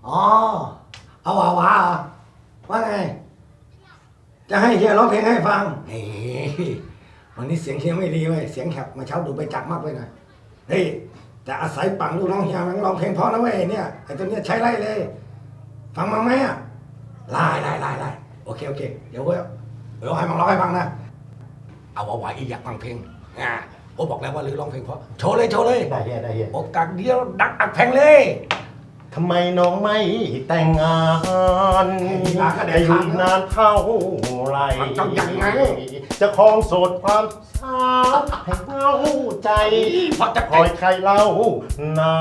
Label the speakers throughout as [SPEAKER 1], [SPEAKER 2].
[SPEAKER 1] อ๋อเอาหวาเหรอว่าไงจะให้เฮียร้องเพลงให้ฟังเฮ้ยวันนี้เสียงเฮียไม่ดีเว้ยเสียงแหบมาเช้าดูไปจักมากไปหน่อยเฮ้ยจะอาศัยปังลูกน้องเฮียมันร้องเพลงเพราะนะเว้ยเนี่ยไอ้ตัวเนี้ยใช้ไล่เลย ฟังมั้งไหมอ่ะไล่โอเคเดี๋ยวให้มันร้องให้ฟังนะเอาไหวอีกอยากฟังเพลงโอ้บอกแล้วว่าลือร้องเพลงเพราะโชว์เลย
[SPEAKER 2] ได้เฮีย
[SPEAKER 1] โอกาสเดียวดักอักแพงเลย
[SPEAKER 2] ทำไมน้องไม่แต่งงาน
[SPEAKER 1] จะ
[SPEAKER 2] จะอยู่นานเท่าไหรจะคลองโสดความสาวให้เล่าใจคอยใครเล่านา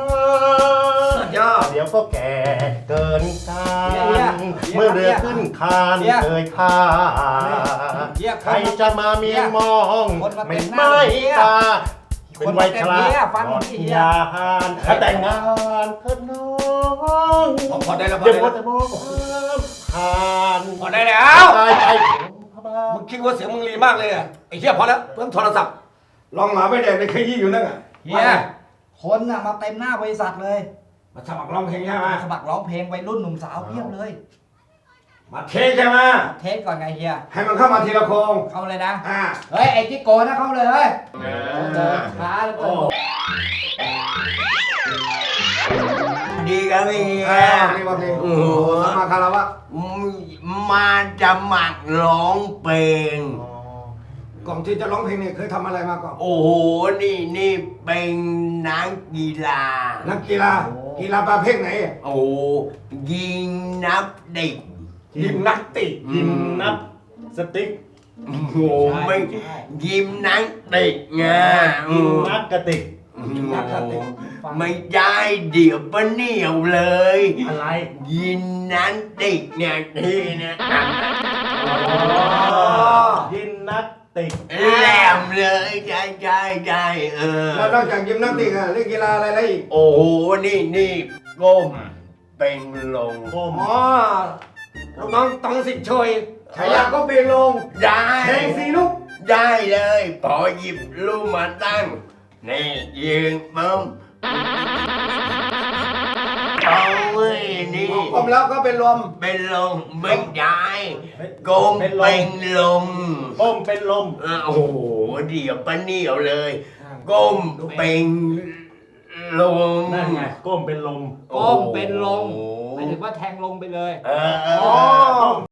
[SPEAKER 2] เดี๋ยวก็แก่เกินการเมื่อเรือขึ้นคานเคยท่าใครจะมาเมียมองไม่ตาเป็นวัยชราหมดยานแต่งงานเถิดน้อง
[SPEAKER 1] พอได้แล้ว
[SPEAKER 2] เดี๋ยวแต่มองผ่าน
[SPEAKER 1] พอได้แล้ว
[SPEAKER 2] ตายไป
[SPEAKER 1] มึงคิดว่าเสียงมึงรีมากเลยอ่ะไอ้เหี้ยพอแล้วเพิ่มโทรศัพท์ลองหมาไปแดกในขยี้อยู่นั่นอ่ะ
[SPEAKER 3] เฮียคนน่ะมาเต็มหน้าบริษัทเลย
[SPEAKER 1] มาสมัครร้องเพลงใช่ไหม
[SPEAKER 3] สมัครร้องเพลงวัยรุ่นหนุ่มสาวเพียบเลย
[SPEAKER 1] มาเทสใช่ไหม
[SPEAKER 3] เทสก่อนไงเฮีย
[SPEAKER 1] ให้มันเข้ามาทีละโครง
[SPEAKER 3] เข้าเลยนะเฮ้ยไอ้จิ๊กโกนะเข้าเลยเฮ้ยช้าแล้วก็
[SPEAKER 4] ดีกันพี่
[SPEAKER 1] นี่มาเพลงโอ้โหสมัครคารวะ
[SPEAKER 4] มาจะหมักร้องเพลง
[SPEAKER 1] ก่อนที่จะร้องเพลงเนี่ยเคยทำอะไรมาก่อน
[SPEAKER 4] โอ้โหนี่เป็นนักกีฬา
[SPEAKER 1] กีฬาประเภทไหน
[SPEAKER 4] โอ้ยิงนับเด็ก
[SPEAKER 1] ยิมนักติก
[SPEAKER 2] ยิมนับสติ๊ก
[SPEAKER 4] โอ้โหไม่ยิมนักเด็กไง
[SPEAKER 2] ยิมนักกระติก
[SPEAKER 4] ไม่ได้เดี๋ยวปะเหนียวเลย
[SPEAKER 2] อะไร
[SPEAKER 4] ยิมนักเด็กเนี่ยนี่นะ
[SPEAKER 2] ยิมนักติก
[SPEAKER 4] แหลมเลยใช่
[SPEAKER 1] แล้วนอกจากยิมนักติกเล่นกีฬาอะไรอีก
[SPEAKER 4] โอ้โหนี่ก้มเป็นลง
[SPEAKER 1] ลูกน้องต้องสิทธิ์ช่วยฉายาก็เบงลง
[SPEAKER 4] ได้
[SPEAKER 1] เพลงสีลูก
[SPEAKER 4] ได้เลยพอหยิบลูกมาตั้งนี่ยืนปุ๊บเอาเว้ยนี่
[SPEAKER 1] ก้มแล้วก็เป็นลม
[SPEAKER 4] ไม่ได้ก้มเป็นลม
[SPEAKER 2] ก้มเป็นลม
[SPEAKER 4] โอ้โหเดี๋ยวปะเหนียวเลยก้มเป็นลม
[SPEAKER 2] นั่นไงก้มเป็นลม
[SPEAKER 3] ก้มเป็นลมหมายถึงว่าแทงลงไปเลย